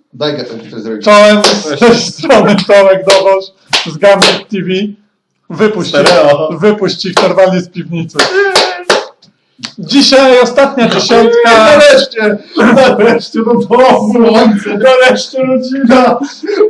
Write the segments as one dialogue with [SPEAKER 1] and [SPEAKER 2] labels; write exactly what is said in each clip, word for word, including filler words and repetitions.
[SPEAKER 1] Daj go to zrobić.
[SPEAKER 2] Czołem z tej strony Tomek Dowoż z Gambit T V. Wypuść ich, wypuść ich normalnie z piwnicy. Dzisiaj ostatnia dziesiątka.
[SPEAKER 1] Nareszcie! Nareszcie do domu! Słońce! Nareszcie rodzina!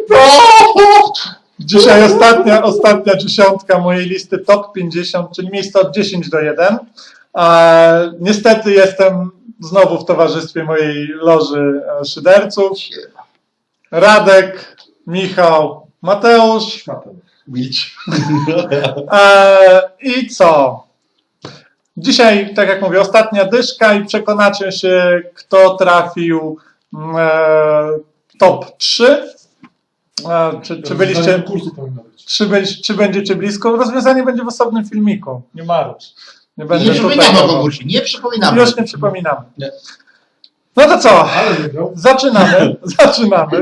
[SPEAKER 2] Dzisiaj ostatnia, ostatnia dziesiątka mojej listy top pięćdziesiąt, czyli miejsce od dziesięć do jeden. A niestety jestem znowu w towarzystwie mojej loży szyderców. Radek, Michał, Mateusz.
[SPEAKER 1] Milcz.
[SPEAKER 2] E, I co? Dzisiaj, tak jak mówię, ostatnia dyszka i przekonacie się, kto trafił e, top trzy. E, czy, czy byliście...
[SPEAKER 3] Kursu powinno być.
[SPEAKER 2] Czy, byli, czy będziecie blisko? Rozwiązanie będzie w osobnym filmiku. Nie marudź. Nie będę
[SPEAKER 1] Nie
[SPEAKER 2] tutaj
[SPEAKER 1] przypominamy o
[SPEAKER 2] dawał.
[SPEAKER 1] konkursie, nie przypominamy.
[SPEAKER 2] Już nie przypominamy.
[SPEAKER 1] Nie.
[SPEAKER 2] No to co?
[SPEAKER 3] Ale wygrał.
[SPEAKER 2] Zaczynamy. Zaczynamy.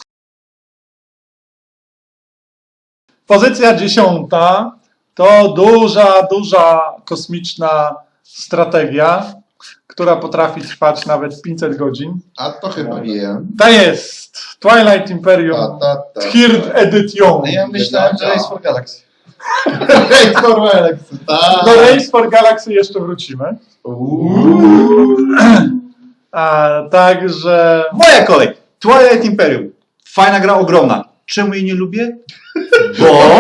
[SPEAKER 2] Pozycja dziesiąta to duża, duża kosmiczna strategia, która potrafi trwać nawet pięćset godzin.
[SPEAKER 1] A to chyba wiem.
[SPEAKER 2] To jest Twilight Imperium
[SPEAKER 1] Ta, ta, ta,
[SPEAKER 2] Third Edition.
[SPEAKER 4] No ja myślałem, że Race for Galaxy.
[SPEAKER 1] Race for Galaxy, tak.
[SPEAKER 2] Do Race for Galaxy jeszcze wrócimy. A, także...
[SPEAKER 4] Moja kolej. Twilight Imperium. Fajna gra, ogromna. Czemu jej nie lubię? Bo...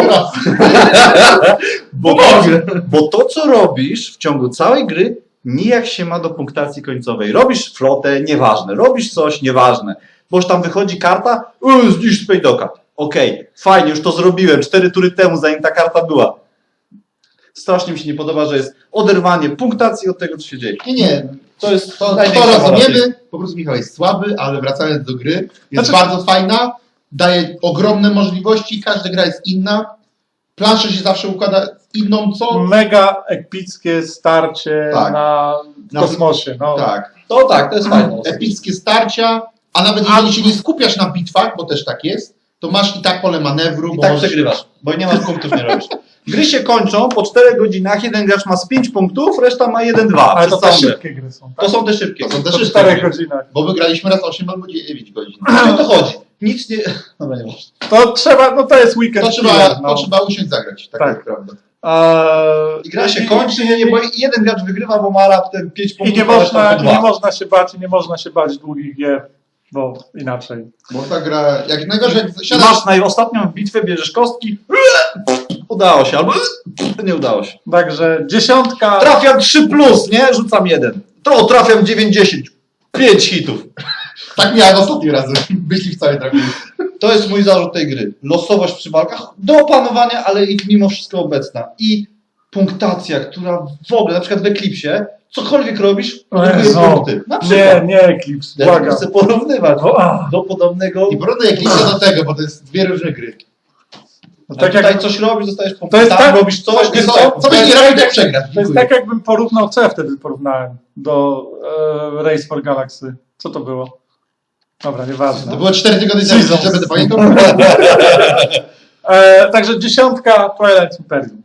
[SPEAKER 4] bo, to, bo to, co robisz w ciągu całej gry, nijak się ma do punktacji końcowej. Robisz flotę, nieważne. Robisz coś, nieważne. Bo już tam wychodzi karta, yy, zniszcz Spejdoka. Okej, okay, fajnie, już to zrobiłem. Cztery tury temu, zanim ta karta była. Strasznie mi się nie podoba, że jest oderwanie punktacji od tego, co się dzieje.
[SPEAKER 1] Nie, nie.
[SPEAKER 4] To jest
[SPEAKER 1] To, to
[SPEAKER 4] największa wada tej-
[SPEAKER 1] rozumiemy. Po prostu Michał jest słaby, ale wracając do gry, jest
[SPEAKER 2] Znaczy-
[SPEAKER 1] bardzo fajna, daje ogromne możliwości, każda gra jest inna. Plansza się zawsze układa inną, co?
[SPEAKER 2] Mega epickie starcie
[SPEAKER 1] Tak.
[SPEAKER 2] na w
[SPEAKER 1] Na-
[SPEAKER 2] kosmosie. No.
[SPEAKER 1] Tak.
[SPEAKER 4] To tak, to jest fajne.
[SPEAKER 1] Epickie starcia, a nawet jeżeli się nie skupiasz na bitwach, bo też tak jest, to masz i tak pole manewru.
[SPEAKER 4] I
[SPEAKER 1] bo
[SPEAKER 4] tak
[SPEAKER 1] możesz-
[SPEAKER 4] przegrywasz, bo nie masz punktów, nie robisz. Gry się kończą po czterech godzinach, jeden gracz ma z pięć punktów, reszta ma jeden dwa.
[SPEAKER 2] Ale to
[SPEAKER 4] przez
[SPEAKER 2] te
[SPEAKER 4] całą grę.
[SPEAKER 2] szybkie gry są.
[SPEAKER 4] To
[SPEAKER 2] Tak?
[SPEAKER 4] są te szybkie.
[SPEAKER 1] To są te
[SPEAKER 2] Po
[SPEAKER 1] szybkie
[SPEAKER 2] czterech
[SPEAKER 1] gry.
[SPEAKER 2] godzinach.
[SPEAKER 1] Bo wygraliśmy raz osiem albo dziewięć godzin.
[SPEAKER 4] O to chodzi. Nic nie... Dobra, nie ważne.
[SPEAKER 2] To trzeba, no to jest weekend.
[SPEAKER 1] To trzeba,
[SPEAKER 2] killer, no.
[SPEAKER 1] to trzeba usiąść zagrać, tak,
[SPEAKER 2] Tak.
[SPEAKER 1] jest prawda.
[SPEAKER 2] Eee,
[SPEAKER 4] I gra się
[SPEAKER 2] i-
[SPEAKER 4] kończy, nie, nie, bo jeden gracz wygrywa, bo ma raptem pięć
[SPEAKER 2] I
[SPEAKER 4] punktów,
[SPEAKER 2] nie
[SPEAKER 4] a reszta
[SPEAKER 2] można,
[SPEAKER 4] po
[SPEAKER 2] i nie
[SPEAKER 4] dwa.
[SPEAKER 2] można się bać, i nie można się bać długich gier, bo inaczej.
[SPEAKER 1] Bo ta gra, jak najgorzej, jak siadasz,
[SPEAKER 4] Masz na ostatnią bitwę, bierzesz kostki, udało się, albo nie udało się.
[SPEAKER 2] Także dziesiątka.
[SPEAKER 4] Trafiam trzy plus, nie? Rzucam jeden. To trafiam dziewięćdziesiąt. pięć hitów.
[SPEAKER 1] tak miałem ostatni raz, myśli w całej trafił.
[SPEAKER 4] To jest mój zarzut tej gry. Losowość przy walkach do opanowania, ale i mimo wszystko obecna. I punktacja, która w ogóle, na przykład w Eclipsie, cokolwiek robisz, odbierze
[SPEAKER 2] Jezu.
[SPEAKER 4] punkty. Na
[SPEAKER 2] Nie,
[SPEAKER 4] przykład.
[SPEAKER 2] nie Eclipse,
[SPEAKER 4] Ja
[SPEAKER 2] błagam.
[SPEAKER 4] chcę porównywać
[SPEAKER 2] O, a.
[SPEAKER 4] do podobnego.
[SPEAKER 1] I porównuję Eclipse do tego, bo to jest dwie różne gry.
[SPEAKER 2] No
[SPEAKER 4] A
[SPEAKER 2] tak
[SPEAKER 4] tutaj
[SPEAKER 2] jak,
[SPEAKER 4] coś robisz, dostajesz punkty.
[SPEAKER 2] To jest
[SPEAKER 4] Tam
[SPEAKER 2] tak-
[SPEAKER 4] robisz coś,
[SPEAKER 1] Wiesz
[SPEAKER 4] wiesz
[SPEAKER 1] co,
[SPEAKER 4] co?
[SPEAKER 1] co byś nie robił, tak przegrać.
[SPEAKER 2] to jest tak, jakbym porównał, co ja wtedy porównałem do e, Race for Galaxy. Co to było? Dobra, nieważne.
[SPEAKER 1] To było cztery tygodnie temu,
[SPEAKER 2] Seasons.
[SPEAKER 1] żeby to pamiętał.
[SPEAKER 2] E, także dziesiątka Twilight Imperium.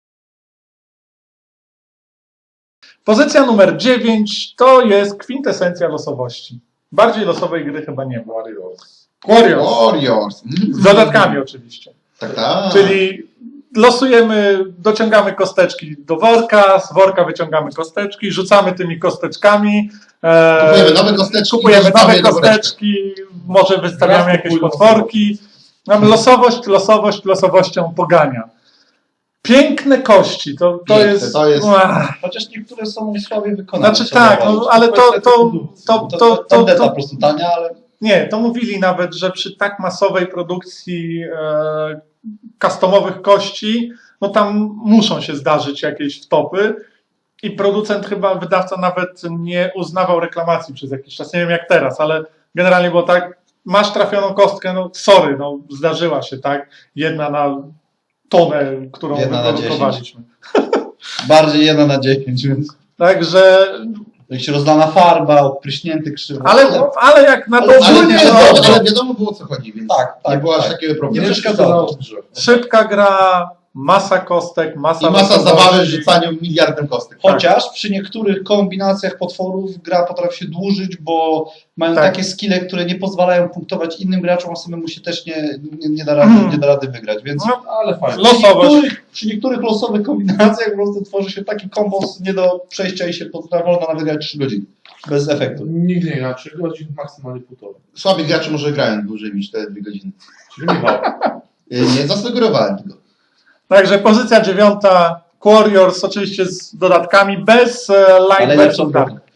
[SPEAKER 2] Pozycja numer dziewięć to jest kwintesencja losowości. Bardziej losowej gry chyba nie ma.
[SPEAKER 3] Warriors.
[SPEAKER 2] Warriors.
[SPEAKER 1] Warriors. Mm.
[SPEAKER 2] Z dodatkami oczywiście.
[SPEAKER 1] Tak, tak.
[SPEAKER 2] Czyli losujemy, dociągamy kosteczki do worka, z worka wyciągamy kosteczki, rzucamy tymi kosteczkami. E,
[SPEAKER 1] Kupujemy nowe kosteczki.
[SPEAKER 2] kupujemy
[SPEAKER 1] i wrzucamy
[SPEAKER 2] nowe
[SPEAKER 1] je do woreczka.
[SPEAKER 2] kosteczki, może wystawiamy
[SPEAKER 3] Raz
[SPEAKER 2] jakieś
[SPEAKER 3] kupuj
[SPEAKER 2] potworki. Mamy losowość, losowość, losowością pogania. Piękne kości, to, to
[SPEAKER 1] Piękne,
[SPEAKER 2] jest...
[SPEAKER 1] to jest-
[SPEAKER 2] Ach,
[SPEAKER 4] Chociaż niektóre są słabiej wykonane.
[SPEAKER 2] Znaczy
[SPEAKER 4] trzeba
[SPEAKER 2] tak, no,
[SPEAKER 4] zauważyć.
[SPEAKER 2] ale to, to, to,
[SPEAKER 4] To,
[SPEAKER 2] to,
[SPEAKER 4] to,
[SPEAKER 2] to,
[SPEAKER 4] tandeta
[SPEAKER 2] to,
[SPEAKER 4] po prostu tania, ale
[SPEAKER 2] nie, to mówili nawet, że przy tak masowej produkcji e, customowych kości, no tam muszą się zdarzyć jakieś wtopy i producent chyba, wydawca nawet nie uznawał reklamacji przez jakiś czas, nie wiem jak teraz, ale generalnie było tak, masz trafioną kostkę, no sorry, no zdarzyła się, tak, jedna na tonę, którą
[SPEAKER 4] Jedna na
[SPEAKER 2] wyprodukowaliśmy.
[SPEAKER 4] bardziej jedna na dziesięć, więc
[SPEAKER 2] Także,
[SPEAKER 4] jak się rozlana farba, odpryśnięty krzywo.
[SPEAKER 2] ale, ale jak na to
[SPEAKER 1] Ale, ale,
[SPEAKER 2] ogólnie,
[SPEAKER 1] ale,
[SPEAKER 2] no,
[SPEAKER 1] ale wiadomo było o co chodzi, więc
[SPEAKER 4] Tak, tak,
[SPEAKER 1] nie było aż
[SPEAKER 4] tak.
[SPEAKER 1] takiego
[SPEAKER 4] Nie
[SPEAKER 1] problemu.
[SPEAKER 4] przeszkadzało.
[SPEAKER 2] szybka gra, masa kostek, masa...
[SPEAKER 1] I masa
[SPEAKER 2] losowości.
[SPEAKER 1] zabawy z rzucaniem miliardem kostek.
[SPEAKER 4] Chociaż przy niektórych kombinacjach potworów gra potrafi się dłużyć, bo mają
[SPEAKER 2] Tak.
[SPEAKER 4] takie skille, które nie pozwalają punktować innym graczom, a samemu się też nie, nie, nie, da, rady,
[SPEAKER 2] Mhm.
[SPEAKER 4] nie da rady wygrać, więc
[SPEAKER 2] No,
[SPEAKER 4] ale fajnie.
[SPEAKER 2] losowość.
[SPEAKER 4] Przy niektórych, przy niektórych losowych kombinacjach po prostu tworzy się taki kombos nie do przejścia i się potrafi wolno nawet grać trzy godziny. Bez efektu.
[SPEAKER 3] Nigdy nie gra trzy godzin, maksymalnie półtorej.
[SPEAKER 1] Słabi gracze może grają dłużej niż te dwie godziny.
[SPEAKER 3] Czyli Michał.
[SPEAKER 1] Y, Nie zasugerowałem tego.
[SPEAKER 2] Także pozycja dziewiąta, Warriors oczywiście z dodatkami, bez e,
[SPEAKER 4] Ale
[SPEAKER 2] light
[SPEAKER 4] lepszą
[SPEAKER 2] versus dark.
[SPEAKER 4] drogą.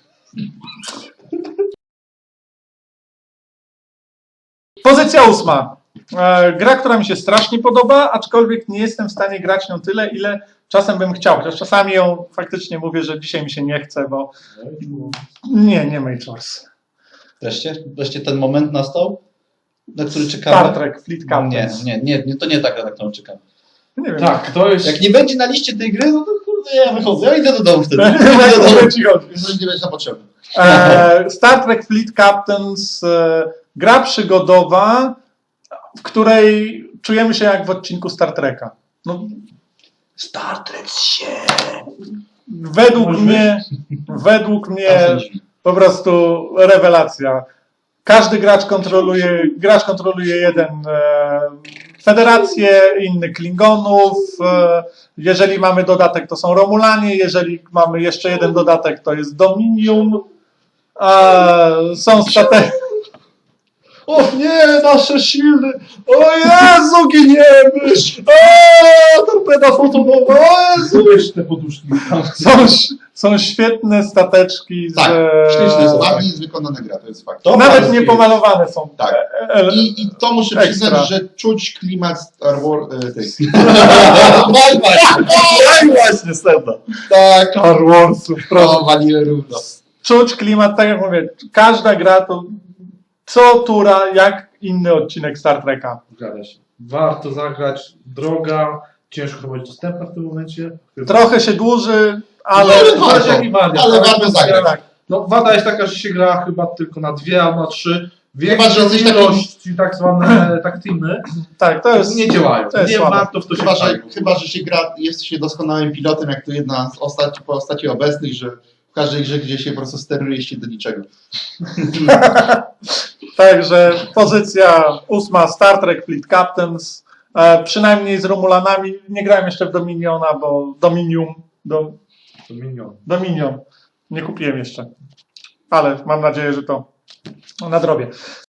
[SPEAKER 2] Pozycja ósma. E, gra, która mi się strasznie podoba, aczkolwiek nie jestem w stanie grać nią tyle, ile czasem bym chciał. Chociaż czasami ją faktycznie mówię, że dzisiaj mi się nie chce, bo nie, nie Mage Wars.
[SPEAKER 4] Wreszcie, wreszcie ten moment nastał, na który
[SPEAKER 2] Star
[SPEAKER 4] czekamy.
[SPEAKER 2] Trek, Fleet
[SPEAKER 4] Nie,
[SPEAKER 2] Captains.
[SPEAKER 4] nie, nie, nie, to nie tak, na którą czekam.
[SPEAKER 2] Nie wiem.
[SPEAKER 3] Tak, to jest...
[SPEAKER 4] Jak nie będzie na liście tej gry, no to kurde, ja wychodzę, ja idę do domu wtedy.
[SPEAKER 2] Nie
[SPEAKER 4] Idę do domu.
[SPEAKER 2] wiem, ci chodzi.
[SPEAKER 1] Jeżeli nie będzie na potrzeby.
[SPEAKER 2] E, Star Trek Fleet Captains, e, gra przygodowa, w której czujemy się jak w odcinku Star Treka. No,
[SPEAKER 4] Star Trek się.
[SPEAKER 2] według
[SPEAKER 3] Może
[SPEAKER 2] mnie, według mnie
[SPEAKER 1] Tam są drzwi.
[SPEAKER 2] po prostu rewelacja. Każdy gracz kontroluje, gracz kontroluje jeden e, federację, inny Klingonów. E, jeżeli mamy dodatek, to są Romulanie. Jeżeli mamy jeszcze jeden dodatek, to jest Dominium. E, są stateki.
[SPEAKER 4] O nie, nasze silny! O Jezu, giniemy! O, torpeda fotonowa, o Jezu!
[SPEAKER 3] Weź te poduszki.
[SPEAKER 2] Są, są świetne stateczki. Z,
[SPEAKER 1] Tak,
[SPEAKER 2] e,
[SPEAKER 1] ślicznie jest ładnie jest wykonana gra, to jest fakt.
[SPEAKER 4] To
[SPEAKER 2] Nawet
[SPEAKER 4] bardzo
[SPEAKER 2] nie
[SPEAKER 4] jest.
[SPEAKER 2] pomalowane są.
[SPEAKER 1] Tak.
[SPEAKER 2] E, e,
[SPEAKER 1] I, I to muszę
[SPEAKER 2] Ekstra.
[SPEAKER 1] przyznać, że czuć klimat Star Wars. E, tych.
[SPEAKER 4] Daj właśnie, daj właśnie, Stefan.
[SPEAKER 1] Tak,
[SPEAKER 2] Star Warsów, proszę.
[SPEAKER 1] to waliłem równo.
[SPEAKER 2] Czuć klimat, tak jak mówię, każda gra to co tura, jak inny odcinek Star Treka.
[SPEAKER 3] Zgadza się. Warto zagrać. Droga. Ciężko chyba być dostępna w tym momencie. Chyba.
[SPEAKER 2] Trochę się dłuży, ale...
[SPEAKER 1] Ale
[SPEAKER 3] Zależy
[SPEAKER 1] warto,
[SPEAKER 3] jaki wariant.
[SPEAKER 1] ale
[SPEAKER 3] tak?
[SPEAKER 1] warto zagrać.
[SPEAKER 2] Tak.
[SPEAKER 3] No, wada jest taka, że się gra chyba tylko na dwie albo na trzy.
[SPEAKER 1] Chyba, że
[SPEAKER 3] Większą
[SPEAKER 1] jesteś takim-
[SPEAKER 3] ilość tak zwane tak teamy
[SPEAKER 2] Tak, to jest...
[SPEAKER 3] nie działają.
[SPEAKER 2] to jest
[SPEAKER 3] Nie
[SPEAKER 2] słabe.
[SPEAKER 3] warto w to się
[SPEAKER 1] Chyba, że,
[SPEAKER 3] wstawić.
[SPEAKER 1] chyba, że się gra, jest się doskonałym pilotem, jak to jedna z postaci, postaci obecnych, że w każdej grze, gdzie się po prostu steruje się do niczego.
[SPEAKER 2] Także pozycja ósma, Star Trek Fleet Captains. E, przynajmniej z Romulanami. Nie grałem jeszcze w Dominiona, bo Dominium... Do,
[SPEAKER 3] To minion.
[SPEAKER 2] Dominion. Nie kupiłem jeszcze. Ale mam nadzieję, że to nadrobię.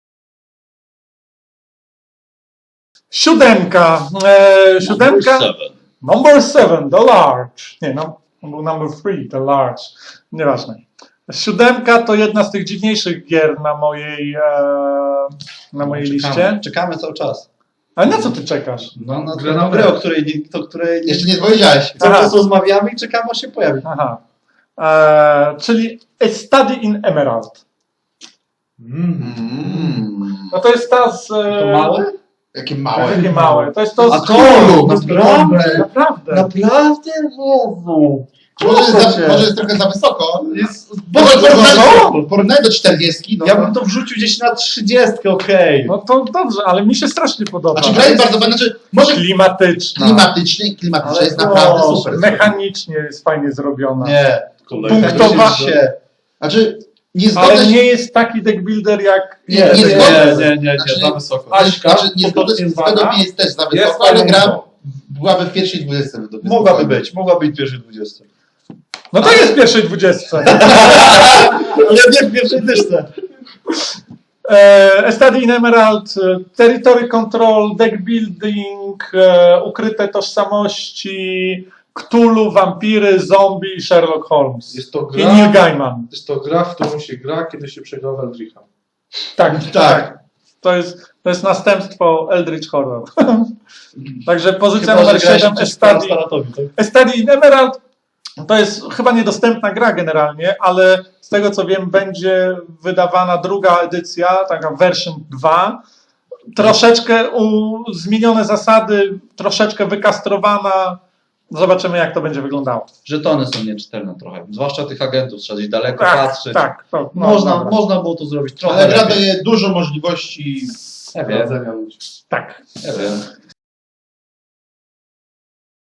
[SPEAKER 2] Siódemka. E, siódemka. Number seven, the large. Nie, no, był number three, the large. Nieważne. Siódemka to jedna z tych dziwniejszych gier na mojej, e, na mojej liście.
[SPEAKER 4] Czekamy, czekamy cały czas.
[SPEAKER 2] Ale na co ty czekasz?
[SPEAKER 4] No, na
[SPEAKER 3] Grę
[SPEAKER 4] grę,
[SPEAKER 3] na
[SPEAKER 4] grę,
[SPEAKER 3] grę.
[SPEAKER 4] o której, nie- o której nie,
[SPEAKER 1] Jeszcze nie powiedziałeś.
[SPEAKER 4] cały
[SPEAKER 2] Aha.
[SPEAKER 4] czas rozmawiamy i czekamy, aż się pojawi.
[SPEAKER 2] Aha. E, czyli A Study in Emerald.
[SPEAKER 3] Mm.
[SPEAKER 1] Mm.
[SPEAKER 2] No to jest ta z... E,
[SPEAKER 4] To małe?
[SPEAKER 1] Jakie
[SPEAKER 2] Takie
[SPEAKER 1] małe.
[SPEAKER 2] małe. To jest to
[SPEAKER 4] A
[SPEAKER 2] z...
[SPEAKER 4] to, naprawdę?
[SPEAKER 2] Naprawdę.
[SPEAKER 4] Naprawdę? Jezu.
[SPEAKER 1] Może jest,
[SPEAKER 2] Proszę
[SPEAKER 1] za,
[SPEAKER 2] cię.
[SPEAKER 1] może jest trochę za wysoko.
[SPEAKER 4] Jest,
[SPEAKER 1] Może
[SPEAKER 4] Boże,
[SPEAKER 1] porównaj, porównaj do czterdziestki. No,
[SPEAKER 4] ja bym to wrzucił gdzieś na trzydziestkę, okej.
[SPEAKER 2] No to dobrze, ale mi się strasznie podoba.
[SPEAKER 1] Znaczy gra jest bardzo fajna, znaczy może
[SPEAKER 2] Klimatyczna.
[SPEAKER 1] klimatycznie, klimatycznie
[SPEAKER 4] Ale
[SPEAKER 1] jest
[SPEAKER 4] to
[SPEAKER 1] naprawdę
[SPEAKER 2] O,
[SPEAKER 1] super.
[SPEAKER 2] mechanicznie jest fajnie zrobiona.
[SPEAKER 4] Nie.
[SPEAKER 2] Punktowa-
[SPEAKER 4] się.
[SPEAKER 1] Znaczy, nie
[SPEAKER 2] Ale
[SPEAKER 1] zgodzę się.
[SPEAKER 2] nie jest taki deck builder jak...
[SPEAKER 1] Nie,
[SPEAKER 4] Nie, nie,
[SPEAKER 1] zgodzę.
[SPEAKER 4] nie, nie, nie,
[SPEAKER 1] Znaczy-
[SPEAKER 4] za wysoko.
[SPEAKER 3] Aśka,
[SPEAKER 1] Znaczy, nie zgodzę
[SPEAKER 3] podobnie
[SPEAKER 1] się,
[SPEAKER 3] zwana,
[SPEAKER 1] według mnie jest też za
[SPEAKER 3] jest
[SPEAKER 1] wysoko, ale
[SPEAKER 3] fajną
[SPEAKER 1] gra
[SPEAKER 3] grą.
[SPEAKER 1] byłaby w pierwszej dwudziestce. według mnie.
[SPEAKER 4] Mogłaby być, mogłaby być w pierwszej dwudziestce.
[SPEAKER 2] No to jest w pierwszej dwudziestce.
[SPEAKER 4] Ale nie w pierwszej dyszce.
[SPEAKER 2] E, A Study in Emerald, e, Territory Control, Deck Building, e, Ukryte Tożsamości, Cthulhu, Wampiry, Zombie i Sherlock Holmes.
[SPEAKER 3] Jest to
[SPEAKER 2] I
[SPEAKER 3] gra,
[SPEAKER 2] Neil Gaiman.
[SPEAKER 3] jest to gra, w którą się gra, kiedy się przegra w Eldricha.
[SPEAKER 2] Tak,
[SPEAKER 1] Tak.
[SPEAKER 2] tak. To jest, to jest następstwo Eldritch Horror. Także pozycja
[SPEAKER 4] Chyba, że
[SPEAKER 2] numer
[SPEAKER 4] grałeś
[SPEAKER 2] siedem, A
[SPEAKER 4] przeciwko
[SPEAKER 2] Study,
[SPEAKER 4] Staratowi, tak?
[SPEAKER 2] A Study in Emerald. To jest chyba niedostępna gra generalnie, ale z tego co wiem będzie wydawana druga edycja, taka version dwa. Troszeczkę u, zmienione zasady, troszeczkę wykastrowana. Zobaczymy jak to będzie wyglądało.
[SPEAKER 4] Żetony są nieczytelne trochę. Zwłaszcza tych agentów, trzeba gdzieś daleko
[SPEAKER 2] Tak,
[SPEAKER 4] patrzeć.
[SPEAKER 2] tak. To, no,
[SPEAKER 4] Można,
[SPEAKER 2] dobra.
[SPEAKER 4] można było to zrobić trochę
[SPEAKER 1] Ale gra
[SPEAKER 4] lepiej.
[SPEAKER 1] daje dużo możliwości.
[SPEAKER 4] Ja wiem,
[SPEAKER 3] Radzenia ludzi.
[SPEAKER 2] Tak.
[SPEAKER 4] ja wiem.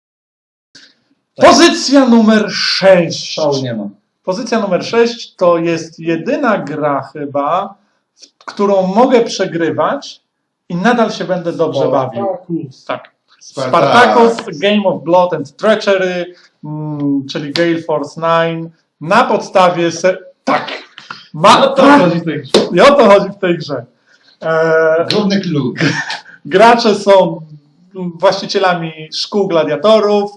[SPEAKER 2] Pozycja numer sześć.
[SPEAKER 4] Szału nie ma.
[SPEAKER 2] Pozycja numer sześć to jest jedyna gra chyba, w którą mogę przegrywać i nadal się będę dobrze bawił. Tak. Spartacus, Game of Blood and Treachery, mm, czyli Gale Force dziewięć, na podstawie... Se- tak. Ma-
[SPEAKER 3] No to chodzi w tej grze.
[SPEAKER 2] I o to chodzi w tej grze. E,
[SPEAKER 1] Główny clue.
[SPEAKER 2] gracze są właścicielami szkół gladiatorów,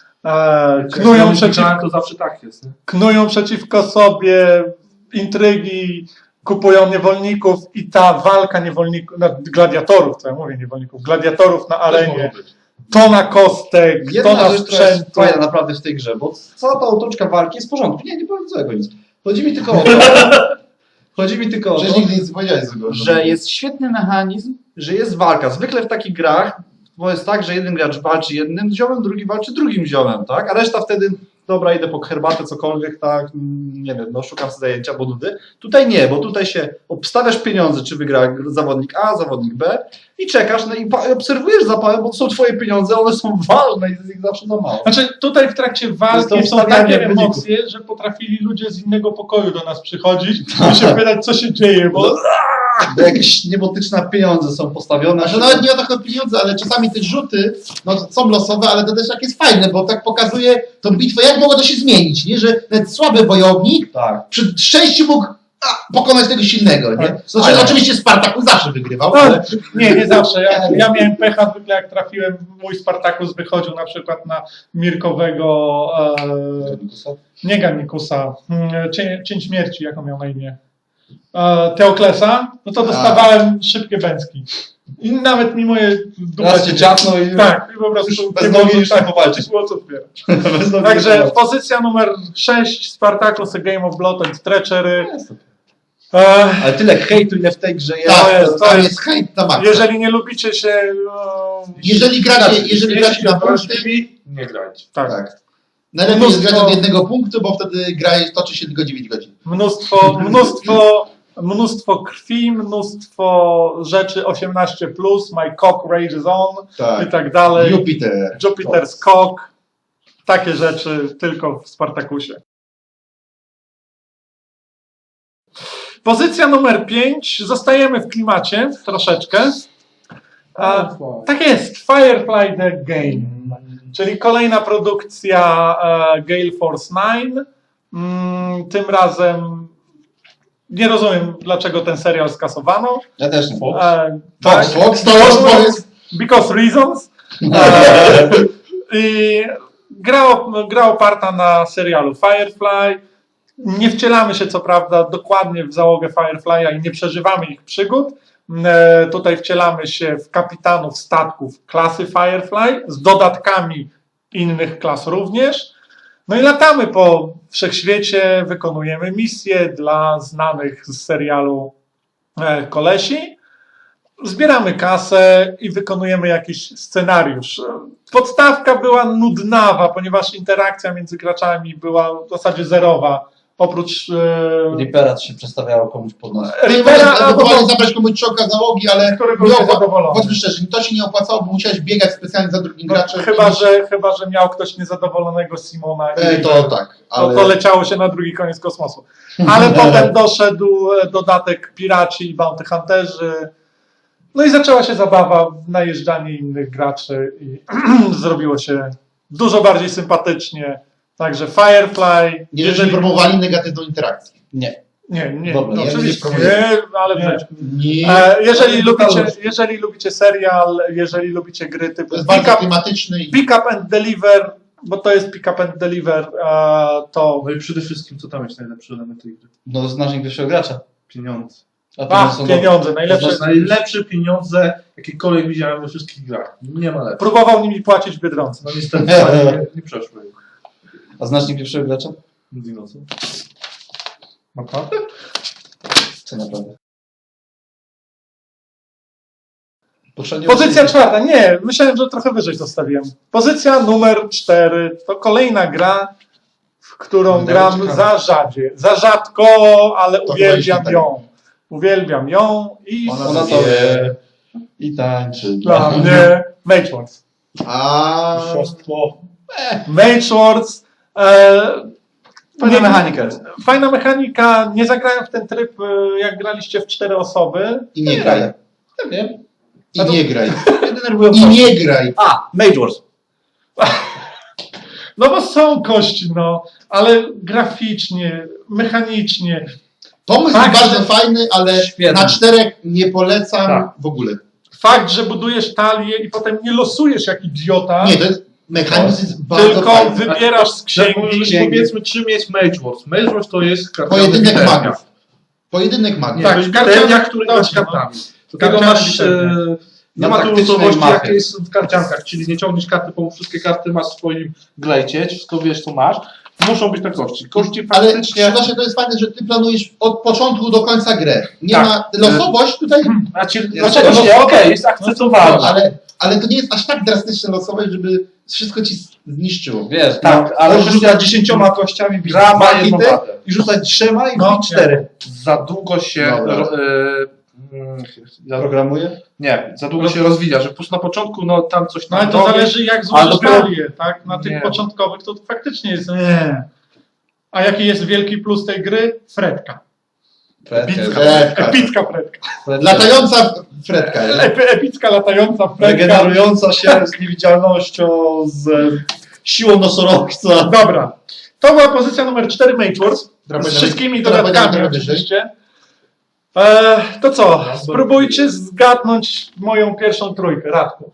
[SPEAKER 2] e, knują,
[SPEAKER 3] Jak
[SPEAKER 2] przeciw,
[SPEAKER 3] to zawsze tak jest. Nie?
[SPEAKER 2] knują przeciwko sobie, intrygi, kupują niewolników i ta walka niewolników, no, gladiatorów, co ja mówię, niewolników, gladiatorów na
[SPEAKER 3] Też
[SPEAKER 2] arenie,
[SPEAKER 3] mogą być.
[SPEAKER 2] to na kostek, to
[SPEAKER 4] Jedna
[SPEAKER 2] na
[SPEAKER 4] rzecz, która jest
[SPEAKER 2] sprzęt.
[SPEAKER 4] fajna naprawdę w tej grze, bo cała ta otoczka walki jest w porządku. Nie, nie powiem złego nic. Chodzi mi tylko o to, chodzi mi tylko o to,
[SPEAKER 1] Przecież nigdy nic nie powiedziałeś złego.
[SPEAKER 4] że jest świetny mechanizm, że jest walka. Zwykle w takich grach bo jest tak, że jeden gracz walczy jednym ziomem, drugi walczy drugim ziomem, tak? A reszta wtedy, dobra, idę po herbatę, cokolwiek, tak, nie wiem, no szukam sobie zajęcia, bo nudy. Tutaj nie, bo tutaj się obstawiasz pieniądze, czy wygra zawodnik A, zawodnik B i czekasz, no i pa- obserwujesz zapałem, bo to są twoje pieniądze, one są ważne i jest ich zawsze za mało.
[SPEAKER 2] Znaczy tutaj w trakcie
[SPEAKER 4] To
[SPEAKER 2] walki
[SPEAKER 4] jest to
[SPEAKER 2] są
[SPEAKER 4] wstawianie
[SPEAKER 2] takie
[SPEAKER 4] wyników.
[SPEAKER 2] emocje, że potrafili ludzie z innego pokoju do nas przychodzić i się pytać, co się dzieje, bo
[SPEAKER 4] Bo jakieś niebotyczne pieniądze są postawione.
[SPEAKER 1] Znaczy, nawet nie o to chodzi o pieniądze, ale czasami te rzuty no, są losowe, ale to też tak jest fajne, bo tak pokazuje tą bitwę, jak mogło to się zmienić, nie? Że nawet słaby wojownik
[SPEAKER 4] Tak.
[SPEAKER 1] przy szczęściu mógł a, pokonać tego silnego, nie? Znaczy,
[SPEAKER 4] Ale-
[SPEAKER 1] oczywiście Spartakus zawsze wygrywał,
[SPEAKER 2] no,
[SPEAKER 1] ale
[SPEAKER 2] nie, nie zawsze. Ja, ja miałem pecha zwykle jak trafiłem, mój Spartakus wychodził na przykład na Mirkowego, e, nie Ganikusa, mm, cień, cień śmierci, jak on miał na imię, e, Teoklesa, no to dostawałem szybkie bęcki. I nawet mimo je
[SPEAKER 4] Raz cię dziapnął i
[SPEAKER 2] tak, i po prostu
[SPEAKER 4] bez
[SPEAKER 2] nie
[SPEAKER 4] nogi
[SPEAKER 2] było-
[SPEAKER 4] już
[SPEAKER 2] tak,
[SPEAKER 4] nie powalczysz.
[SPEAKER 2] było co zbierać.
[SPEAKER 4] Bez nogi
[SPEAKER 2] Także
[SPEAKER 4] nie powalczysz.
[SPEAKER 2] pozycja numer sześć, Spartacus, A Game of Blood and Treachery. E,
[SPEAKER 4] Ale tyle hejtu, ile w tej grze jest.
[SPEAKER 1] tak,
[SPEAKER 2] jest-
[SPEAKER 1] to,
[SPEAKER 2] to
[SPEAKER 1] tam
[SPEAKER 2] jest-
[SPEAKER 1] jest hejt na maksa.
[SPEAKER 2] jeżeli nie lubicie się... No,
[SPEAKER 1] Jeżeli gracie, jeżeli gracie na punkty,
[SPEAKER 3] punkty, nie grajcie.
[SPEAKER 2] tak.
[SPEAKER 1] tak. Najlepiej jest
[SPEAKER 2] Mnóstwo-
[SPEAKER 1] grać od jednego punktu, bo wtedy gra jest- toczy się tylko dziewięć godzin.
[SPEAKER 2] Mnóstwo, mnóstwo, mnóstwo krwi, mnóstwo rzeczy osiemnaście plus, my cock rages on i tak dalej.
[SPEAKER 1] Jupiter.
[SPEAKER 2] Jupiter's cock. Takie rzeczy tylko w Spartakusie. Pozycja numer pięć. Zostajemy w klimacie troszeczkę. A, tak jest, Firefly The Game, czyli kolejna produkcja e, Gale Force dziewięć. Mm, tym razem nie rozumiem, dlaczego ten serial skasowano.
[SPEAKER 1] Ja też nie.
[SPEAKER 2] E,
[SPEAKER 1] Fox, Fox, to już to jest...
[SPEAKER 2] because reasons. E, I gra, op- gra oparta na serialu Firefly. Nie wcielamy się co prawda dokładnie w załogę Firefly'a i nie przeżywamy ich przygód. E, tutaj wcielamy się w kapitanów statków klasy Firefly z dodatkami innych klas również. No i latamy po wszechświecie, wykonujemy misje dla znanych z serialu e, kolesi. Zbieramy kasę i wykonujemy jakiś scenariusz. Podstawka była nudnawa, ponieważ interakcja między graczami była w zasadzie zerowa. Oprócz e,
[SPEAKER 4] Reapera się przestawiało komuś pod nos.
[SPEAKER 2] Reapera,
[SPEAKER 1] Możesz
[SPEAKER 2] albo
[SPEAKER 1] ewentualnie zabrać komuś czołka załogi, ale
[SPEAKER 2] który był
[SPEAKER 1] nie opła-
[SPEAKER 2] niezadowolony.
[SPEAKER 1] bądźmy szczerzy, to się nie opłacało, bo musiałeś biegać specjalnie za drugim
[SPEAKER 2] No,
[SPEAKER 1] graczem.
[SPEAKER 2] chyba,
[SPEAKER 1] i-
[SPEAKER 2] że, chyba, że miał ktoś niezadowolonego Simona i
[SPEAKER 1] E, to tak,
[SPEAKER 2] no,
[SPEAKER 1] ale...
[SPEAKER 2] to leciało się na drugi koniec kosmosu. Ale potem doszedł e, dodatek Piraci i Bounty Hunterzy. No i zaczęła się zabawa w najeżdżanie innych graczy i zrobiło się dużo bardziej sympatycznie. Także Firefly,
[SPEAKER 1] Nie, jeżeli promowali negatywną interakcję.
[SPEAKER 4] Nie.
[SPEAKER 2] Nie, nie,
[SPEAKER 1] Dobra,
[SPEAKER 2] no,
[SPEAKER 1] ja
[SPEAKER 2] oczywiście
[SPEAKER 1] nie
[SPEAKER 2] nie, ale w
[SPEAKER 3] Nie.
[SPEAKER 2] życiu.
[SPEAKER 1] Nie.
[SPEAKER 2] E, jeżeli,
[SPEAKER 3] Ale
[SPEAKER 2] lubicie,
[SPEAKER 3] totalność.
[SPEAKER 2] jeżeli lubicie serial, jeżeli lubicie gry typu
[SPEAKER 1] To jest
[SPEAKER 2] Pick
[SPEAKER 1] bardzo
[SPEAKER 2] Up,
[SPEAKER 1] klimatyczny i...
[SPEAKER 2] pick up and Deliver, bo to jest Pick Up and Deliver, e, to
[SPEAKER 3] No i przede wszystkim, co tam jest najlepszy element tej gry?
[SPEAKER 4] No, znasz pierwszego gracza.
[SPEAKER 3] Pieniądze.
[SPEAKER 4] A
[SPEAKER 2] a,
[SPEAKER 4] pieniądze są
[SPEAKER 2] pieniądze, najlepsze.
[SPEAKER 3] To są najlepsze pieniądze, jakiekolwiek widziałem we wszystkich grach. Nie ma lepszych.
[SPEAKER 2] Próbował nimi płacić w Biedronce.
[SPEAKER 3] No niestety nie, nie przeszły.
[SPEAKER 4] A znasz pierwszego gracza?
[SPEAKER 3] Dino, co?
[SPEAKER 2] Naprawdę?
[SPEAKER 4] Co naprawdę? Poprzednio
[SPEAKER 2] Pozycja czwarta, nie, myślałem, że trochę wyżej zostawiłem. Pozycja numer cztery to kolejna gra, w którą
[SPEAKER 1] Wydaje
[SPEAKER 2] gram
[SPEAKER 1] ciekawe.
[SPEAKER 2] za rzadzie. Za rzadko, ale
[SPEAKER 1] To
[SPEAKER 2] uwielbiam
[SPEAKER 1] chyba
[SPEAKER 2] ją. Uwielbiam ją i
[SPEAKER 1] Ona
[SPEAKER 4] Ona
[SPEAKER 1] to
[SPEAKER 4] to
[SPEAKER 1] wie.
[SPEAKER 4] wie. I tańczy.
[SPEAKER 2] dla mnie Mage Wars.
[SPEAKER 1] A
[SPEAKER 3] Oszustwo.
[SPEAKER 2] Mage Wars. E,
[SPEAKER 4] Fajna
[SPEAKER 2] nie-
[SPEAKER 4] mechanika jest.
[SPEAKER 2] Fajna mechanika. Nie zagrałem w ten tryb, e, jak graliście w cztery osoby.
[SPEAKER 1] I nie graj.
[SPEAKER 3] Ja wiem.
[SPEAKER 1] I nie graj.
[SPEAKER 4] Mnie denerwują
[SPEAKER 1] I
[SPEAKER 4] kości.
[SPEAKER 1] nie graj.
[SPEAKER 4] A, Mage Wars.
[SPEAKER 2] No bo są kości, no, ale graficznie, mechanicznie.
[SPEAKER 1] Pomysł
[SPEAKER 2] Tak,
[SPEAKER 1] jest bardzo
[SPEAKER 2] że-
[SPEAKER 1] fajny, ale
[SPEAKER 4] Świetny.
[SPEAKER 1] na czterech nie polecam
[SPEAKER 3] Tak.
[SPEAKER 1] w ogóle.
[SPEAKER 2] Fakt, że budujesz talię i potem nie losujesz jak idiota,
[SPEAKER 1] Nie, to jest mechanizm jest bardzo
[SPEAKER 2] tylko
[SPEAKER 1] fajny.
[SPEAKER 2] wybierasz z
[SPEAKER 3] Księgi,
[SPEAKER 2] księgi.
[SPEAKER 3] księgi. Powiedzmy, czym jest Mage Wars. Mage Wars to jest karciana
[SPEAKER 1] Pojedynek
[SPEAKER 3] biteria.
[SPEAKER 1] magów. Pojedynek magów.
[SPEAKER 3] Nie,
[SPEAKER 2] Tak,
[SPEAKER 3] to jest
[SPEAKER 2] karciana-
[SPEAKER 3] biteria, który grasz
[SPEAKER 2] dobrze, no.
[SPEAKER 3] kartami. Do tego
[SPEAKER 2] Karciana
[SPEAKER 3] masz...
[SPEAKER 2] biteria.
[SPEAKER 3] E, nie
[SPEAKER 1] Na
[SPEAKER 3] ma tu
[SPEAKER 1] taktycznej
[SPEAKER 3] losowości,
[SPEAKER 1] mapie.
[SPEAKER 3] jak jest w karciankach, czyli nie ciągniesz karty, bo wszystkie karty masz w swoim glejcie, wszystko wiesz, co masz. Muszą być na kości. Kości
[SPEAKER 1] Ale
[SPEAKER 3] faktycznie...
[SPEAKER 1] właśnie to jest fajne, że ty planujesz od początku do końca grę. Nie
[SPEAKER 3] Tak.
[SPEAKER 1] ma losowość tutaj,
[SPEAKER 3] Znaczy,
[SPEAKER 4] Znaczy,
[SPEAKER 3] znaczy,
[SPEAKER 4] no,
[SPEAKER 3] no, okej,
[SPEAKER 4] no,
[SPEAKER 3] jest akceptowalna.
[SPEAKER 1] ale, ale to nie jest aż tak drastyczna losowość, żeby wszystko ci zniszczyło.
[SPEAKER 4] Wiesz,
[SPEAKER 3] Tak,
[SPEAKER 4] no,
[SPEAKER 3] ale
[SPEAKER 4] możesz
[SPEAKER 3] rzucać
[SPEAKER 4] rzucać dziesięcioma kościami, bić
[SPEAKER 3] Gra ma
[SPEAKER 4] dwa
[SPEAKER 3] jedną
[SPEAKER 4] hity
[SPEAKER 3] wadę.
[SPEAKER 4] i rzucać trzema i
[SPEAKER 2] No,
[SPEAKER 4] bić cztery.
[SPEAKER 3] Za długo się...
[SPEAKER 1] Dobra.
[SPEAKER 3] ro- e, mm, za,
[SPEAKER 4] Programuje?
[SPEAKER 3] nie, za długo się rozwija, że po prostu na początku no tam coś
[SPEAKER 2] No
[SPEAKER 3] tam
[SPEAKER 2] ale to
[SPEAKER 3] robisz.
[SPEAKER 2] zależy jak
[SPEAKER 3] ale
[SPEAKER 2] złożysz
[SPEAKER 3] dopiero-
[SPEAKER 2] talię, tak? Na tych
[SPEAKER 3] Nie.
[SPEAKER 2] początkowych to faktycznie jest nie. A jaki jest wielki plus tej gry? Fredka.
[SPEAKER 4] Fredka.
[SPEAKER 1] Fredka.
[SPEAKER 2] Epicka Fredka.
[SPEAKER 1] Latająca Fredka. jest.
[SPEAKER 2] Epi- Epicka latająca Fredka.
[SPEAKER 4] Regenerująca się z niewidzialnością, z siłą nosorożca.
[SPEAKER 2] Dobra. To była pozycja numer cztery Mage Wars.
[SPEAKER 1] Która
[SPEAKER 2] Z
[SPEAKER 1] powinna
[SPEAKER 2] wszystkimi
[SPEAKER 1] być- która powinna być
[SPEAKER 2] dodatkami
[SPEAKER 1] trochę wyżej.
[SPEAKER 2] oczywiście. E, to co? Spróbujcie zgadnąć moją pierwszą trójkę. Radku.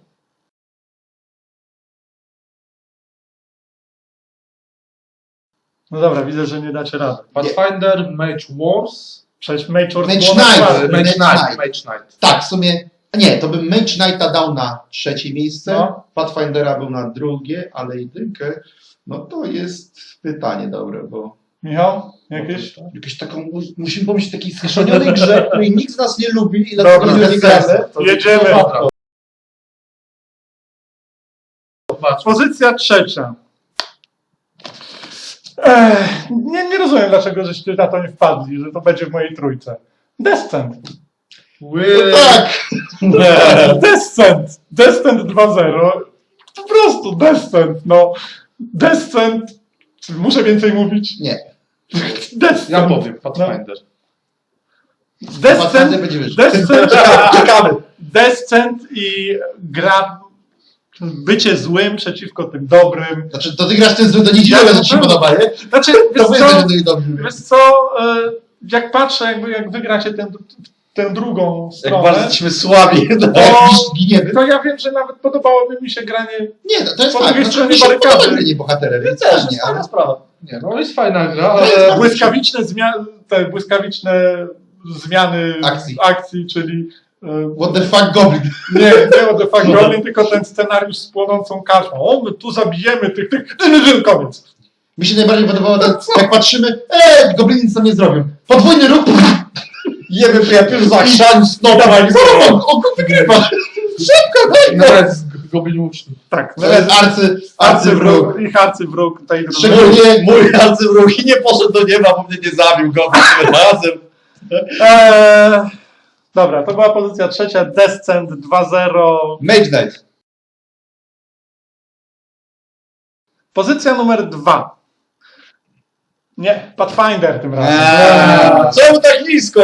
[SPEAKER 2] No dobra, widzę, że nie dacie rady.
[SPEAKER 3] Pathfinder, Mage Wars,
[SPEAKER 2] Przecież Mage Wars
[SPEAKER 1] Mage
[SPEAKER 2] było na
[SPEAKER 1] Knight.
[SPEAKER 2] czwartym.
[SPEAKER 3] Mage
[SPEAKER 1] Mage
[SPEAKER 3] Knight,
[SPEAKER 1] Knight.
[SPEAKER 3] Mage Knight.
[SPEAKER 1] Tak, w sumie. Nie, to bym Mage Knighta dał na trzecie miejsce.
[SPEAKER 2] No.
[SPEAKER 1] Pathfindera był na drugie, ale jedynkę. No to jest pytanie dobre, bo.
[SPEAKER 2] Michał, jakieś?
[SPEAKER 4] Jakieś taką, musimy pomyśleć o takiej schrzonionej grze, której nikt z nas nie lubi i
[SPEAKER 2] Dobra,
[SPEAKER 4] dlatego nie
[SPEAKER 1] bez
[SPEAKER 4] gramy.
[SPEAKER 1] sensu.
[SPEAKER 4] To-
[SPEAKER 2] Jedziemy.
[SPEAKER 4] to łatwo.
[SPEAKER 3] Patrz,
[SPEAKER 2] Pozycja trzecia. Ech, nie, nie rozumiem, dlaczego żeście na to nie wpadli, że to będzie w mojej trójce. Descent.
[SPEAKER 3] ły-
[SPEAKER 1] No tak!
[SPEAKER 2] Descent. Descent dwa zero. Po prostu Descent, no. Descent. Czy muszę więcej mówić?
[SPEAKER 1] Nie.
[SPEAKER 2] Descent.
[SPEAKER 3] Ja powiem, Pathfinder.
[SPEAKER 1] Pathfinder
[SPEAKER 2] Descent.
[SPEAKER 1] będzie wyżej.
[SPEAKER 2] Descent.
[SPEAKER 4] Czekamy.
[SPEAKER 2] Descent i gra bycie złym przeciwko tym dobrym.
[SPEAKER 1] Znaczy, to ty grasz ten zły, to nie dziwne,
[SPEAKER 2] Ja
[SPEAKER 1] że ci się
[SPEAKER 2] na pewno.
[SPEAKER 1] podoba, nie?
[SPEAKER 2] Znaczy,
[SPEAKER 1] To
[SPEAKER 2] wiesz
[SPEAKER 1] wy
[SPEAKER 2] co,
[SPEAKER 1] jesteście dobrzy.
[SPEAKER 2] wiesz co e, jak patrzę, jakby jak wygracie tę, tę drugą
[SPEAKER 4] Jak
[SPEAKER 2] stronę,
[SPEAKER 4] bardzo jesteśmy słabi.
[SPEAKER 1] A jak gisz- giniemy?
[SPEAKER 2] to ja wiem, że nawet podobałoby mi się granie.
[SPEAKER 1] Nie, to, to jest
[SPEAKER 2] Po
[SPEAKER 1] tak.
[SPEAKER 2] drugiej
[SPEAKER 1] Znaczy,
[SPEAKER 2] stronie
[SPEAKER 1] mi się
[SPEAKER 2] barykady.
[SPEAKER 1] podoba granie bohaterem, więc
[SPEAKER 4] Też,
[SPEAKER 1] fajnie,
[SPEAKER 4] jest
[SPEAKER 1] ale...
[SPEAKER 4] fajna sprawa.
[SPEAKER 3] Nie, no jest fajna gra,
[SPEAKER 1] To jest
[SPEAKER 3] ale...
[SPEAKER 1] bardzo-
[SPEAKER 2] Błyskawiczne zmiany, te błyskawiczne zmiany
[SPEAKER 1] Akcji.
[SPEAKER 2] akcji czyli e,
[SPEAKER 1] What the fuck, Goblin?
[SPEAKER 2] nie, nie o The Fuck Goblin, tylko ten scenariusz z płonącą karczmą. O, my tu zabijemy tych, tych, dyn, dyn, koniec.
[SPEAKER 1] Mi się najbardziej podobało, ten, jak patrzymy, eee, gobliny nic nam nie zrobią. Podwójny ruch,
[SPEAKER 4] Jemy przyjaciół za chrzan, snopa.
[SPEAKER 1] o, o, o, wygrywa. Szybko, daj go.
[SPEAKER 3] Nawet z Goblin Łuczny.
[SPEAKER 2] Tak,
[SPEAKER 1] To jest arcy, arcywróg.
[SPEAKER 2] arcywróg, ich arcywróg tej drużyny.
[SPEAKER 1] Szczególnie
[SPEAKER 4] Mój arcywróg i nie poszedł do nieba, bo mnie nie zabił go tym razem.
[SPEAKER 2] Eee, dobra, to była pozycja trzecia, Descent dwa zero.
[SPEAKER 4] Mage Knight.
[SPEAKER 2] Pozycja numer dwa. Nie, Pathfinder tym razem.
[SPEAKER 4] Eee, Czemu tak nisko?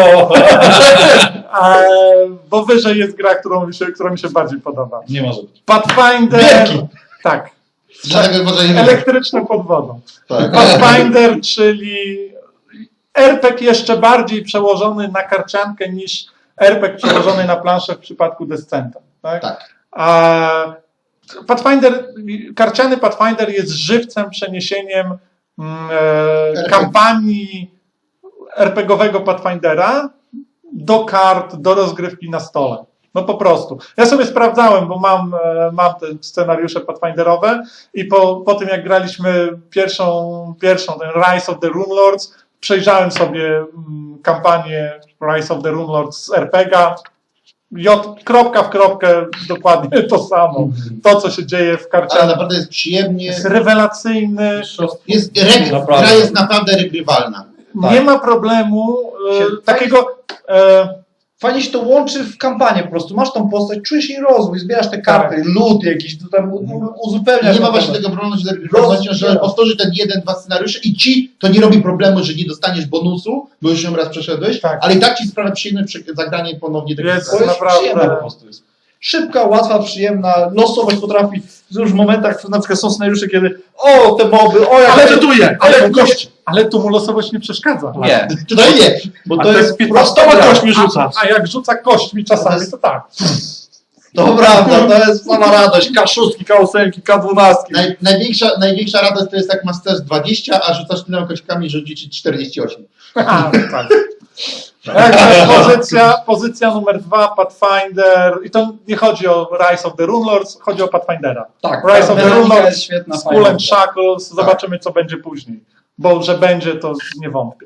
[SPEAKER 2] Eee, bo wyżej jest gra, którą mi się, która mi się bardziej podoba.
[SPEAKER 4] Nie może być.
[SPEAKER 2] Pathfinder.
[SPEAKER 4] Wielki.
[SPEAKER 2] Tak.
[SPEAKER 1] Dlatego może nie wiem.
[SPEAKER 2] Elektryczne pod wodą.
[SPEAKER 1] Tak.
[SPEAKER 2] Pathfinder, czyli er pe gie jeszcze bardziej przełożony na karciankę niż er pe gie przełożony na planszę w przypadku Descenta. Tak?
[SPEAKER 1] Tak.
[SPEAKER 2] A Pathfinder, karciany Pathfinder jest żywcem, przeniesieniem mm, e, kampanii er pe gie owego Pathfindera do kart, do rozgrywki na stole. No po prostu. Ja sobie sprawdzałem, bo mam, e, mam te scenariusze Pathfinderowe i po, po tym jak graliśmy pierwszą, pierwszą ten Rise of the Runelords, przejrzałem sobie mm, kampanię Rise of the Runelords z er pe gie a. J, kropka w kropkę, dokładnie to samo. To, co się dzieje w
[SPEAKER 1] Ale
[SPEAKER 2] karcianie,
[SPEAKER 1] naprawdę jest przyjemnie.
[SPEAKER 2] jest rewelacyjny.
[SPEAKER 1] Jest, reg,
[SPEAKER 4] Naprawdę.
[SPEAKER 1] gra jest naprawdę regrywalna.
[SPEAKER 2] Nie ma problemu e,
[SPEAKER 4] Się-
[SPEAKER 2] takiego. E,
[SPEAKER 4] fajnie się to łączy w kampanię po prostu. Masz tą postać, czujesz jej rozwój, zbierasz te karty, lód jakiś, to tam u- u- uzupełniasz.
[SPEAKER 1] Nie ma
[SPEAKER 4] na
[SPEAKER 1] właśnie
[SPEAKER 4] temat.
[SPEAKER 1] tego problemu, że, pewnością, że powtórzy ten jeden, dwa scenariusze i ci to nie robi problemu, że nie dostaniesz bonusu, bo już ją raz przeszedłeś,
[SPEAKER 2] Tak.
[SPEAKER 1] ale i tak ci sprawia przyjemne przy- zagranie ponownie tego
[SPEAKER 2] Jest
[SPEAKER 4] To jest
[SPEAKER 2] naprawdę-
[SPEAKER 4] przyjemne po prostu. Jest. Szybka, łatwa, przyjemna, losowość potrafi już w momentach, na przykład są scenariusze, kiedy o, te moby, o, jak
[SPEAKER 2] Ale-
[SPEAKER 3] Medytuję,
[SPEAKER 2] ale-
[SPEAKER 3] ale kości.
[SPEAKER 2] Ale tu mu losowość nie przeszkadza.
[SPEAKER 4] Nie,
[SPEAKER 1] Tutaj nie.
[SPEAKER 4] bo
[SPEAKER 3] A
[SPEAKER 4] to jest
[SPEAKER 3] piętnastoma
[SPEAKER 4] prosta
[SPEAKER 3] kośćmi
[SPEAKER 2] A,
[SPEAKER 3] rzucasz.
[SPEAKER 2] a jak rzuca kośćmi czasami, to tak.
[SPEAKER 4] To prawda, to jest sama radość. K szóst, K osiem, K dwanaście.
[SPEAKER 1] Naj, największa, największa radość to jest jak masz też dwadzieścia, a rzucasz tyloma kośćkami, że ci czterdzieści osiem.
[SPEAKER 2] A, tak. Także pozycja, pozycja numer dwa, Pathfinder. I to nie chodzi o Rise of the Runelords, chodzi o Pathfindera.
[SPEAKER 4] Tak,
[SPEAKER 2] Rise of the
[SPEAKER 4] mechanika
[SPEAKER 2] Runelords,
[SPEAKER 4] jest świetna,
[SPEAKER 2] Skull
[SPEAKER 4] fajna.
[SPEAKER 2] and Shackles, zobaczymy co będzie później. Bo że będzie, to nie wątpię.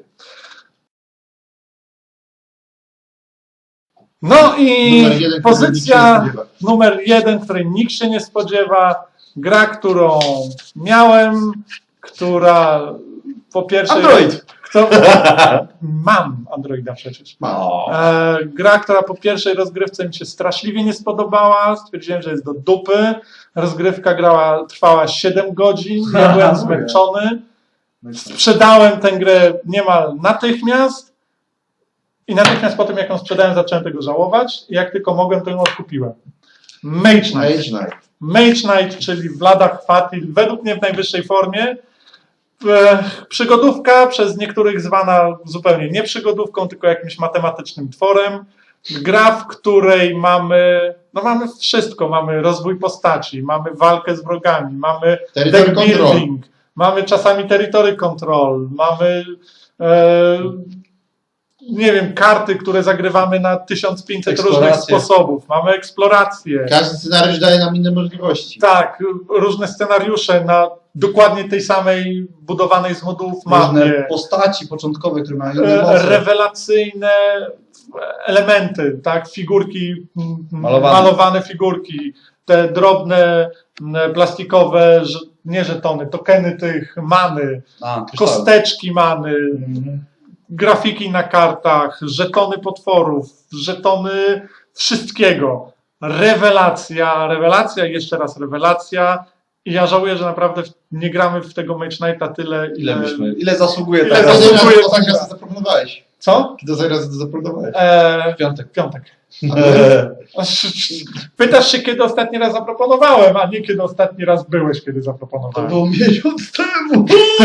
[SPEAKER 2] No i
[SPEAKER 1] Numer jeden, który nikt się nie
[SPEAKER 2] pozycja
[SPEAKER 1] spodziewa.
[SPEAKER 2] numer jeden, której nikt się nie spodziewa. Gra, którą miałem, która po pierwsze...
[SPEAKER 4] Android.
[SPEAKER 2] Kto, mam Androida przecież.
[SPEAKER 4] O.
[SPEAKER 2] E, gra, która po pierwszej rozgrywce mi się straszliwie nie spodobała. Stwierdziłem, że jest do dupy. Rozgrywka grała, trwała siedem godzin. Ja byłem zmęczony. Sprzedałem tę grę niemal natychmiast. I natychmiast po tym, jak ją sprzedałem, zacząłem tego żałować. I jak tylko mogłem, to ją odkupiłem. Mage Knight.
[SPEAKER 1] Mage Knight.
[SPEAKER 2] Mage Knight, czyli Vlada Chvátil, według mnie w najwyższej formie. E, Przygodówka, przez niektórych zwana zupełnie nie przygodówką, tylko jakimś matematycznym tworem. Gra, w której mamy, no mamy wszystko. Mamy rozwój postaci, mamy walkę z wrogami, mamy
[SPEAKER 1] Territory
[SPEAKER 2] deck
[SPEAKER 1] control.
[SPEAKER 2] building, mamy czasami territory control, mamy e, nie wiem, karty, które zagrywamy na tysiąc pięćset różnych
[SPEAKER 4] Eksploracje.
[SPEAKER 2] sposobów, mamy eksplorację.
[SPEAKER 1] Każdy scenariusz daje nam inne możliwości.
[SPEAKER 2] Tak, różne scenariusze na dokładnie tej samej budowanej z modułów
[SPEAKER 4] Różne
[SPEAKER 2] mapie.
[SPEAKER 4] postaci początkowe, które mają inne
[SPEAKER 2] E,
[SPEAKER 4] moce.
[SPEAKER 2] Rewelacyjne elementy, tak, figurki, m,
[SPEAKER 4] Malowane.
[SPEAKER 2] malowane figurki, te drobne m, plastikowe, ż- nie żetony, tokeny tych many,
[SPEAKER 4] A, kryształy.
[SPEAKER 2] kosteczki many,
[SPEAKER 4] Mhm.
[SPEAKER 2] grafiki na kartach, żetony potworów, żetony wszystkiego. Rewelacja, rewelacja i jeszcze raz rewelacja. I ja żałuję, że naprawdę nie gramy w tego Mage Knighta tyle,
[SPEAKER 4] Ile
[SPEAKER 2] ile...
[SPEAKER 4] byśmy, ile zasługuje
[SPEAKER 2] Ile
[SPEAKER 4] ta gra?
[SPEAKER 2] zasługuje?
[SPEAKER 1] Kiedy
[SPEAKER 2] zasługuje
[SPEAKER 1] ostatni
[SPEAKER 2] ta
[SPEAKER 1] raz to zaproponowałeś?
[SPEAKER 2] Co?
[SPEAKER 1] Kiedy ostatni raz to zaproponowałeś?
[SPEAKER 2] Eee,
[SPEAKER 4] Piątek.
[SPEAKER 2] piątek. Pytasz się, kiedy ostatni raz zaproponowałem, a nie kiedy ostatni raz byłeś, kiedy
[SPEAKER 1] To
[SPEAKER 2] zaproponowałem.
[SPEAKER 1] było miesiąc temu.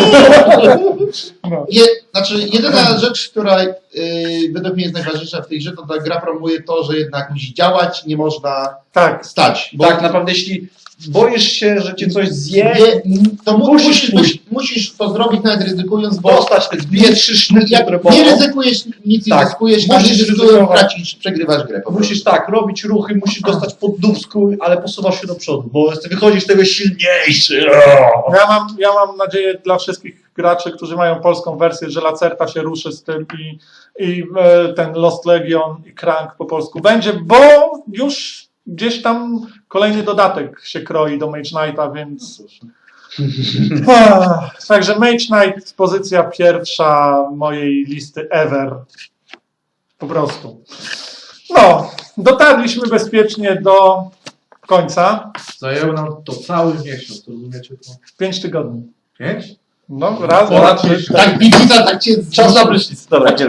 [SPEAKER 2] No.
[SPEAKER 1] Je, znaczy, jedyna rzecz, która y, według mnie jest najważniejsza w tej grze, to ta gra promuje to, że jednak musi działać, nie można
[SPEAKER 2] Tak,
[SPEAKER 1] stać. Bo
[SPEAKER 4] Tak, naprawdę, jeśli boisz się, że cię coś zje,
[SPEAKER 1] nie, to mu,
[SPEAKER 4] musisz
[SPEAKER 1] musisz,
[SPEAKER 4] pójść.
[SPEAKER 1] musisz, musisz to zrobić nawet ryzykując, bo
[SPEAKER 4] dostać te dwie, trzy sznyty,
[SPEAKER 1] jak
[SPEAKER 4] które
[SPEAKER 1] nie
[SPEAKER 4] bolą,
[SPEAKER 1] ryzykujesz, nic nie
[SPEAKER 4] Tak,
[SPEAKER 1] zyskujesz, a nie
[SPEAKER 4] musisz
[SPEAKER 1] ryzykując,
[SPEAKER 4] ryzykować.
[SPEAKER 1] tracisz, przegrywasz grę. Po
[SPEAKER 4] musisz tak, robić ruchy, musisz dostać pod dubsku, ale posuwasz się do przodu, bo wychodzisz z tego silniejszy.
[SPEAKER 2] ja mam, ja mam nadzieję dla wszystkich graczy, którzy mają polską wersję, że Lacerta się ruszy z tym i, i e, ten Lost Legion i Crank po polsku będzie, bo już gdzieś tam kolejny dodatek się kroi do Mage Knighta, więc... Ah, Także Mage Knight, pozycja pierwsza mojej listy ever. Po prostu. No, dotarliśmy bezpiecznie do końca.
[SPEAKER 3] Zajęło nam to cały miesiąc, rozumiecie to?
[SPEAKER 2] Pięć tygodni.
[SPEAKER 3] Pięć?
[SPEAKER 2] No, raz,
[SPEAKER 3] Ponad
[SPEAKER 2] dwa, trzy,
[SPEAKER 3] pięć.
[SPEAKER 2] cztery.
[SPEAKER 1] Tak, Biblica tak cię
[SPEAKER 4] Czas na prysznic. Dobra, nie.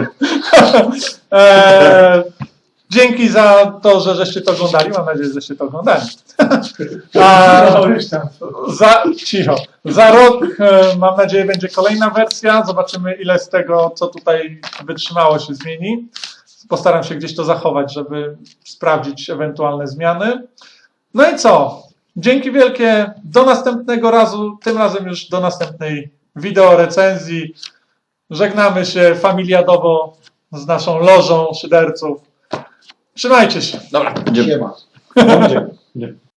[SPEAKER 2] Eee, dzięki za to, że żeście to oglądali. Mam nadzieję, że żeście to oglądali. A, za, cicho. Za rok, e, mam nadzieję, będzie kolejna wersja. Zobaczymy, ile z tego, co tutaj wytrzymało, się zmieni. Postaram się gdzieś to zachować, żeby sprawdzić ewentualne zmiany. No i co? Dzięki wielkie. Do następnego razu. Tym razem już do następnej wideo recenzji. Żegnamy się familiadowo z naszą lożą szyderców. Trzymajcie się.
[SPEAKER 4] Dobra,
[SPEAKER 1] Siema.
[SPEAKER 4] idziemy.